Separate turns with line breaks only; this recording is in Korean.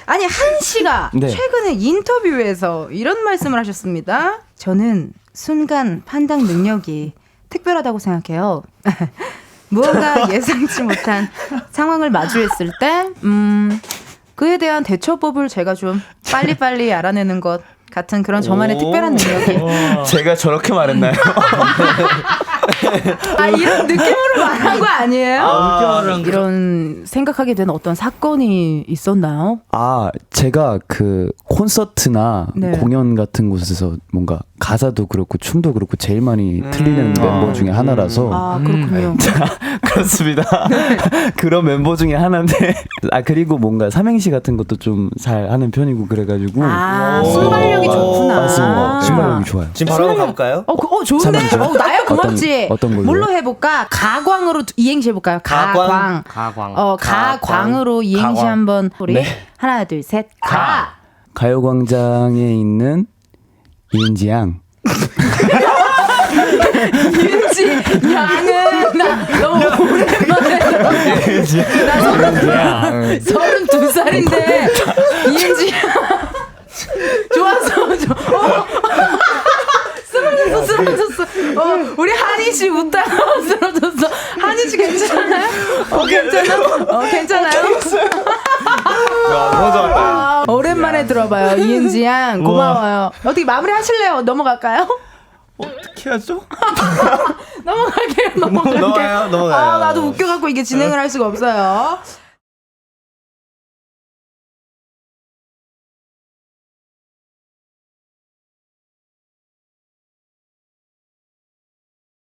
아니 한 씨가
네.
최근에 인터뷰에서 이런 말씀을 하셨습니다. 저는 순간 판단 능력이 특별하다고 생각해요. 무언가 예상치 못한 상황을 마주했을 때 그에 대한 대처법을 제가 좀 빨리빨리 알아내는 것 같은 그런 저만의 특별한 능력이.
제가 저렇게 말했나요?
아, 이런 느낌으로 말한 거 아니에요? 이런 생각하게 된 어떤 사건이 있었나요?
아, 제가 그 콘서트나
네.
공연 같은 곳에서 뭔가 가사도 그렇고 춤도 그렇고 제일 많이 틀리는 멤버 중에 하나라서.
아, 그렇군요.
그렇습니다. 그런 멤버 중에 하나인데. 아, 그리고 뭔가 삼행시 같은 것도 좀 잘 하는 편이고 그래가지고.
아, 순발력이 좋구나.
맞습니다. 순발력이 좋아요.
지금 바로 한번 가볼까요?
좋은데?
삼행시요?
나야 고맙지.
어떤 걸로요?
뭘로 해볼까? 가광으로 이행시 해볼까요? 가광. 가광으로 이행시
가광.
한번 우리
네.
하나 둘 셋.
가요광장에 있는 이은지양.
윤지 양은 나 너무 오랜만에 나 32살인데 이은지 양 좋았어. 쓰러졌어. 우리 한희 씨 웃다가 쓰러졌어. 한희 씨 괜찮아요? 괜찮아요?
너무 좋았다.
오랜만에 들어봐요. 이은지 양 고마워요. 어떻게 마무리 하실래요? 넘어갈까요?
어떻게 하죠?
넘어갈게요.
넘어가요.
아, 나도 웃겨갖고 이게 진행을 할 수가 없어요.